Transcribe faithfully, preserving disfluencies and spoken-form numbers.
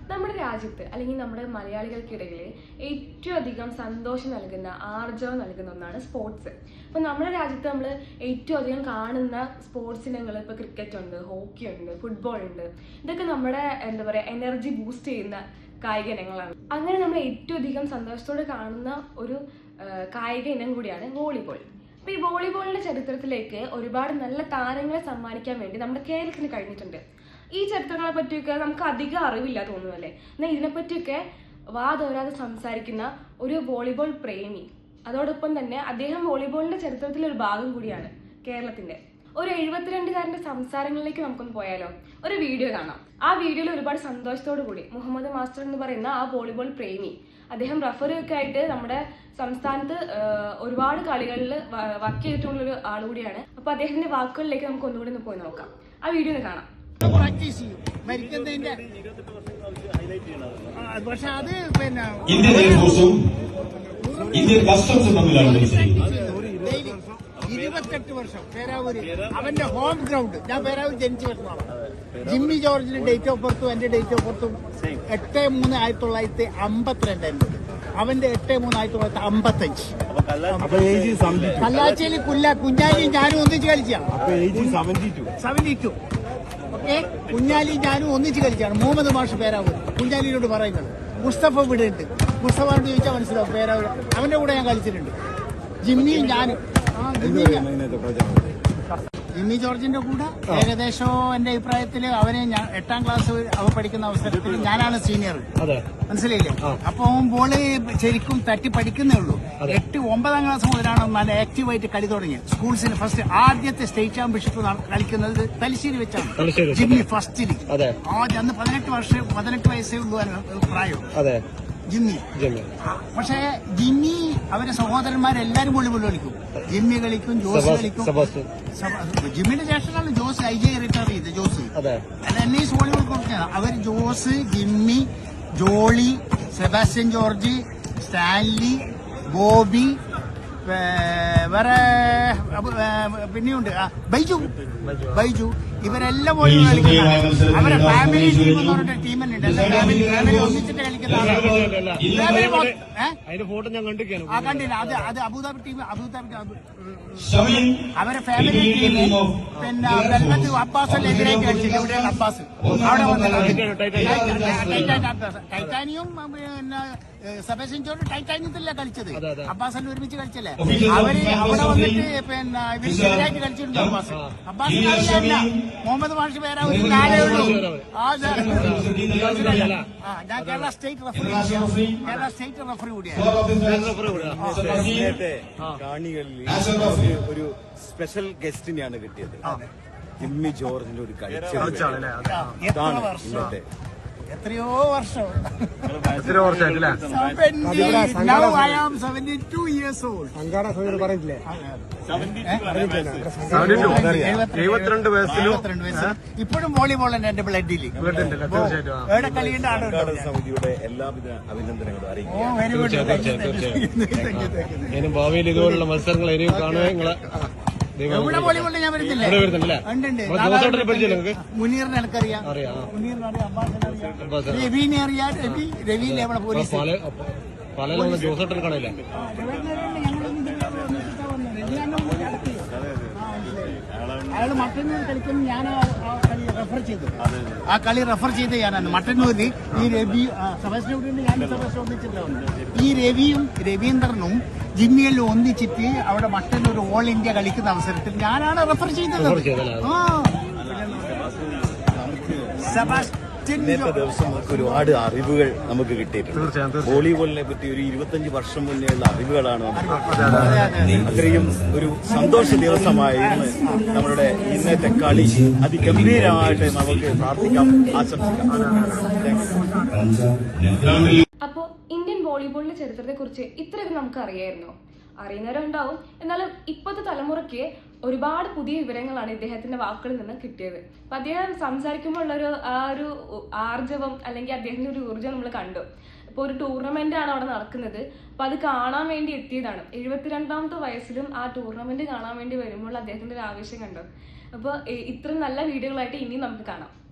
നമ്മുടെ രാജ്യത്ത് അല്ലെങ്കിൽ നമ്മുടെ മലയാളികൾക്കിടയിൽ ഏറ്റവും അധികം സന്തോഷം നൽകുന്ന ആർജവം നൽകുന്ന ഒന്നാണ് സ്പോർട്സ്. അപ്പോൾ നമ്മുടെ രാജ്യത്ത് നമ്മൾ ഏറ്റവും അധികം കാണുന്ന സ്പോർട്സ് ഇനങ്ങൾ ഇപ്പോൾ ക്രിക്കറ്റ് ഉണ്ട്, ഹോക്കി ഉണ്ട്, ഫുട്ബോൾ ഉണ്ട്. ഇതൊക്കെ നമ്മുടെ എന്താ പറയുക എനർജി ബൂസ്റ്റ് ചെയ്യുന്ന കായിക ഇനങ്ങളാണ്. അങ്ങനെ നമ്മൾ ഏറ്റവും അധികം സന്തോഷത്തോടെ കാണുന്ന ഒരു കായിക ഇനം കൂടിയാണ് വോളിബോൾ. അപ്പോൾ ഈ വോളിബോളിന്റെ ചരിത്രത്തിലേക്ക് ഒരുപാട് നല്ല താരങ്ങളെ സമ്മാനിക്കാൻ വേണ്ടി നമ്മുടെ കേരളത്തിന് കഴിഞ്ഞിട്ടുണ്ട്. ഈ ചരിത്രങ്ങളെ പറ്റിയൊക്കെ നമുക്ക് അധികം അറിവില്ല തോന്നുന്നു അല്ലേ. എന്നാൽ ഇതിനെപ്പറ്റിയൊക്കെ വാതോരാതെ സംസാരിക്കുന്ന ഒരു വോളിബോൾ പ്രേമി, അതോടൊപ്പം തന്നെ അദ്ദേഹം വോളിബോളിന്റെ ചരിത്രത്തിലെ ഒരു ഭാഗം കൂടിയാണ് കേരളത്തിന്റെ. ഒരു എഴുപത്തിരണ്ടുകാരന്റെ സംസാരങ്ങളിലേക്ക് നമുക്കൊന്ന് പോയാലോ. ഒരു വീഡിയോ കാണാം. ആ വീഡിയോയിൽ ഒരുപാട് സന്തോഷത്തോടു കൂടി മുഹമ്മദ് മാസ്റ്റർ എന്ന് പറയുന്ന ആ വോളിബോൾ പ്രേമി, അദ്ദേഹം റഫറിയൊക്കെ ആയിട്ട് നമ്മുടെ സംസ്ഥാനത്ത് ഒരുപാട് കളികളിൽ വർക്ക് ചെയ്തിട്ടുള്ളൊരു ആളുകൂടിയാണ്. അപ്പൊ അദ്ദേഹത്തിന്റെ വാക്കുകളിലേക്ക് നമുക്ക് ഒന്നുകൂടി ഒന്ന് പോയി നോക്കാം. ആ വീഡിയോ ഒന്ന് കാണാം. പ്രാക്ടീസ് ചെയ്യും മരിക്കുന്നതിന്റെ. പക്ഷെ അത് പിന്നെ ഇരുപത്തെട്ട് വർഷം പേരാവൂര് അവന്റെ ഹോം ഗ്രൗണ്ട്. ഞാൻ പേരാവൂർ ജനിച്ച വർഷമാണ്. ജിമ്മി ജോർജിന്റെ ഡേറ്റ് ഓഫ് ബർത്തും എന്റെ ഡേറ്റ് ഓഫ് ബർത്തും എട്ട് മൂന്ന് ആയിരത്തി തൊള്ളായിരത്തി അമ്പത്തിരണ്ട് എന്റെ അവന്റെ എട്ട് മൂന്ന് ആയിരത്തി തൊള്ളായിരത്തി അമ്പത്തഞ്ച്. കല്ലാച്ചേലി കുല്ല കുഞ്ഞാലിയും ഞാനും ഒന്നിച്ച് കളിച്ചാണ്. Seventy two okay. കുഞ്ഞാലിയും ഞാനും ഒന്നിച്ച് കളിച്ചാണ്. മുഹമ്മദ് മാഷ് പേരാവൂർ കുഞ്ഞാലിയോട് പറയുന്നത്. മുസ്തഫ ഇവിടെ ഉണ്ട്. മുസ്തഫാനോട് ചോദിച്ചാൽ മനസ്സിലാവും പേരാവൂർ. അവന്റെ കൂടെ ഞാൻ കളിച്ചിട്ടുണ്ട്. ജിമ്മിയും ഞാനും. ആ ജിമ്മി ജോർജിന്റെ കൂടെ ഏകദേശം എന്റെ അഭിപ്രായത്തില് അവനെ ഞാൻ എട്ടാം ക്ലാസ് അവ പഠിക്കുന്ന അവസരത്തിൽ ഞാനാണ് സീനിയർ. മനസ്സിലായില്ലേ? അപ്പൊ ബോള് ശരിക്കും തട്ടി പഠിക്കുന്നേ ഉള്ളൂ. എട്ട് ഒമ്പതാം ക്ലാസ് മുതലാണ് നല്ല ആക്റ്റീവായിട്ട് കളി തുടങ്ങിയത്. സ്കൂൾസിന് ഫസ്റ്റ് ആദ്യത്തെ സ്റ്റേറ്റ് ചാമ്പ്യൻഷിപ്പ് കളിക്കുന്നത് തലശ്ശേരി വെച്ചാണ്. ജിമ്മി ഫസ്റ്റില് ആദ്യം അന്ന് പതിനെട്ട് വർഷം പതിനെട്ട് വയസ്സേ ഉള്ളൂ പ്രായം ജിമ്മി. പക്ഷെ ജിമ്മി അവരെ സഹോദരന്മാരെല്ലാരും വോളിബോൾ കളിക്കും. ജിമ്മി കളിക്കും, ജോസ് കളിക്കും. ജിമ്മിന്റെ ജ്യേഷ്ഠനാണ് ജോസ്. ഐ ജെ റിട്ടയർ ചെയ്ത് ജോസ്. അല്ല എന്നെ ഈ വോളിബോൾ കളിച്ചാണ് അവർ. ജോസ്, ജിമ്മി, ജോളി, സെബാസ്റ്റ്യൻ ജോർജ്, സ്റ്റാൻലി, ബോബി, വേറെ പിന്നെയുണ്ട് ബൈജു ബൈജു ഇവരെല്ലാം വോളിബോൾ കളിക്കുന്ന അവരെ ഫാമിലി ടീം എന്ന് പറഞ്ഞിട്ട് ടീം തന്നെ ഉണ്ട്. ഫാമിലി ഫാമിലി ഒന്നിച്ചിട്ട് കളിക്കുന്ന ആ കണ്ടില്ല. അത് അത് അബുദാബി ടീം. അബുദാബി അവരെ ഫാമിലി ടീം പിന്നെ വെൽവത്ത് അബ്ബാസിന്റെ എതിരായിട്ട് കളിച്ചില്ല. ഇവിടെയാണ് അബ്ബാസ്. അവിടെ വന്നിട്ടുണ്ട് ടൈറ്റാനിയും പിന്നെ സെബാസ്റ്റ്യൻ ജോർജ് ടൈറ്റാനിയത്തിലല്ല കളിച്ചത്. അബ്ബാസെല്ലാം ഒരുമിച്ച് കളിച്ചല്ലേ അവര്. അവിടെ വന്നിട്ട് പിന്നെ ഇവരിക്കെതിരായിട്ട് കളിച്ചിട്ടുണ്ട് അബ്ബാസ്. അബ്ബാസിനല്ല മുഹമ്മദ് മാഷ് പേരാ ഒരു കാലേ ഉള്ളൂ. ഞാൻ Kerala state referee Kerala state referee കൂടിയാണ്. കാണികളിൽ ഒരു സ്പെഷ്യൽ ഗസ്റ്റിനെയാണ് കിട്ടിയത്. ജിമ്മി ജോർജിന്റെ ഒരു കളിച്ചാണ്. എത്രയോ വർഷം എത്രയോ വർഷമായിട്ടില്ലേ? എഴുപത്തിരണ്ട് വയസ്സിലും ഇപ്പോഴും വോളിബോൾ ഉണ്ട് എന്റെ ബ്ലഡില്. എവിടെ കളിയുണ്ട് സമിതിയുടെ എല്ലാവിധ അഭിനന്ദനങ്ങളും അറിയിക്കും. Very good. ഭാവിയിൽ ഇതുപോലുള്ള മത്സരങ്ങൾ ഇനിയും കാണുക. നിങ്ങളെ എവിടെ വോളിബോൾ ഞാൻ വരുന്നില്ല. മുനീറിനെ എനിക്കറിയാം. മുനീറിനെ അറിയാം. രവിനെ അറിയാം. രവി രവിയിലെ നമ്മളെ പോലീസ് പല ജോസേട്ടൻ കാണില്ല. അയാൾ മട്ടന്നൂർ കളിക്കുന്ന ഞാൻ ആ കളി റെഫർ ചെയ്തു. ആ കളി റെഫർ ചെയ്ത് ഞാനാണ് മട്ടന്നൂരിൽ. ഈ രവി സെബാസ്റ്റ്യൻ ഞാൻ സെബാസ്റ്റ്യൻ ഒന്നിച്ചിട്ടുണ്ട്. ഈ രവിയും രവീന്ദ്രനും ജിമ്മിയെല്ലാം ഒന്നിച്ചിട്ട് അവിടെ മട്ടന്നൂർ ഓൾ ഇന്ത്യ കളിക്കുന്ന അവസരത്തിൽ ഞാനാണ് റെഫർ ചെയ്തത്. ആ സെബാസ്റ്റ്യൻ ഇന്നത്തെ ദിവസം നമുക്ക് ഒരുപാട് അറിവുകൾ നമുക്ക് കിട്ടിയിട്ടുണ്ട്. വോളിബോളിനെ പറ്റി ഒരു ഇരുപത്തഞ്ച് വർഷം മുന്നേയുള്ള അറിവുകളാണ്. അത്രയും ഒരു സന്തോഷ ദിവസമായിരുന്നു നമ്മളുടെ ഇന്നത്തെ കളി. അതിഗംഭീരമായിട്ട് നമുക്ക് പ്രാർത്ഥിക്കാം, ആശംസിക്കാം. അപ്പോ ഇന്ത്യൻ വോളിബോളിന്റെ ചരിത്രത്തെ കുറിച്ച് ഇത്രയൊക്കെ നമുക്ക് അറിയായിരുന്നോ? അറിയുന്നവരുണ്ടാവും. എന്നാലും ഇപ്പോഴത്തെ തലമുറയ്ക്ക് ഒരുപാട് പുതിയ വിവരങ്ങളാണ് ഇദ്ദേഹത്തിന്റെ വാക്കുകളിൽ നിന്ന് കിട്ടിയത്. അപ്പൊ അദ്ദേഹം സംസാരിക്കുമ്പോൾ ഉള്ളൊരു ആ ഒരു ആർജവം അല്ലെങ്കിൽ അദ്ദേഹത്തിന്റെ ഒരു ഊർജ്ജം നമ്മൾ കണ്ടു. ഇപ്പോൾ ഒരു ടൂർണമെന്റ് ആണ് അവിടെ നടക്കുന്നത്. അപ്പൊ അത് കാണാൻ വേണ്ടി എത്തിയതാണ്. എഴുപത്തിരണ്ടാമത്തെ വയസ്സിലും ആ ടൂർണമെന്റ് കാണാൻ വേണ്ടി വരുമ്പോൾ അദ്ദേഹത്തിന്റെ ഒരു ആവേശം കണ്ടു. അപ്പോൾ ഇത്രയും നല്ല വീഡിയോകളായിട്ട് ഇനിയും നമുക്ക് കാണാം.